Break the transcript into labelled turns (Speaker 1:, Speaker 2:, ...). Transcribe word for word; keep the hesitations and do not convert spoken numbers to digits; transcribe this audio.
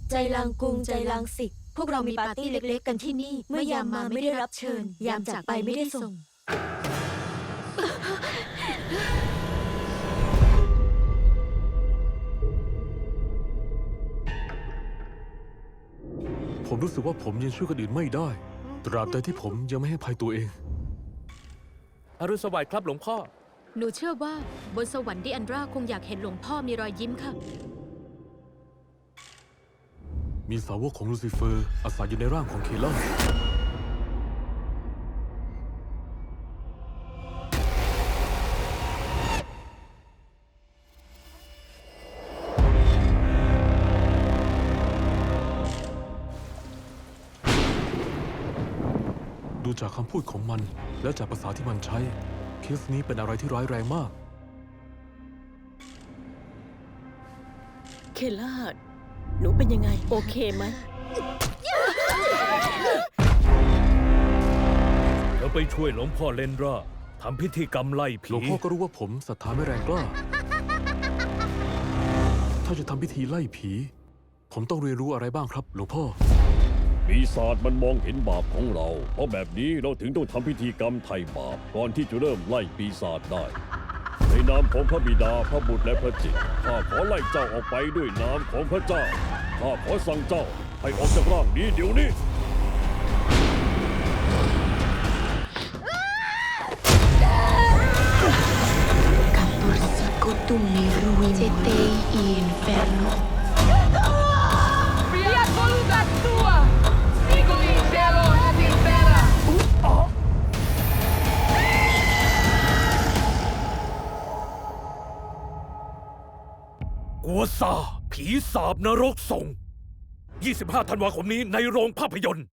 Speaker 1: ใจลางกุงใจลางสิกพวกเรามีปาร์ตี้เล็กๆกันที่นี่ เมื่อยามมาไม่ได้รับเชิญ ยามจากไปไม่ได้ส่ง
Speaker 2: ผมรู้สึกว่าผมยังช่วยคนอื่นไม่ได้ ตราบใดที่ผมยังไม่ให้ภัยตัวเอง
Speaker 3: อรุณสวัสดิ์ครับหลวงพ่อ
Speaker 4: หนูเชื่อว่าบนสวรรค์ดิอันดราคงอยากเห็นหลวงพ่อมีรอยยิ้มค่ะ
Speaker 2: มีสาวกของลูซิเฟอร์อาศัยอยู่ในร่างของเคล่าดูจากคำพูดของมันและจากภาษาที่มันใช้ เคสนี้เป็นอะไรที่ร้ายแรงมาก
Speaker 5: เคล่าหนูเป็นยังไง โอเคไหม
Speaker 6: เธอไปช่วยหลวงพ่อเลนราทำพิธีกรรมไล่ผี
Speaker 2: หลวงพ่อก็รู้ว่าผมศรัทธาไม่แรงกล้า ถ้าจะทำพิธีไล่ผี ผมต้องเรียนรู้อะไรบ้างครับ หลวงพ่อ
Speaker 7: ปีศาจมันมองเห็นบาปของเรา เพราะแบบนี้เราถึงต้องทำพิธีกรรมไถ่บาปก่อนที่จะเริ่มไล่ปีศาจได้ ในนามของพระบิดาพระบุตรและพระจิตรข้าขอไล่เจ้าออกไปด้วยนามของพระเจ้าข้าขอสั่งเจ้าให้ออกจากร่างนี้เดี๋ยวนี้
Speaker 8: Tu mi ruini inferno.
Speaker 9: Fiat voluntas tua, sicut in cielo et in terra.
Speaker 6: กัวซาผีสาบนรกส่ง ยี่สิบห้า ธันวาคมนี้ในโรงภาพยนตร์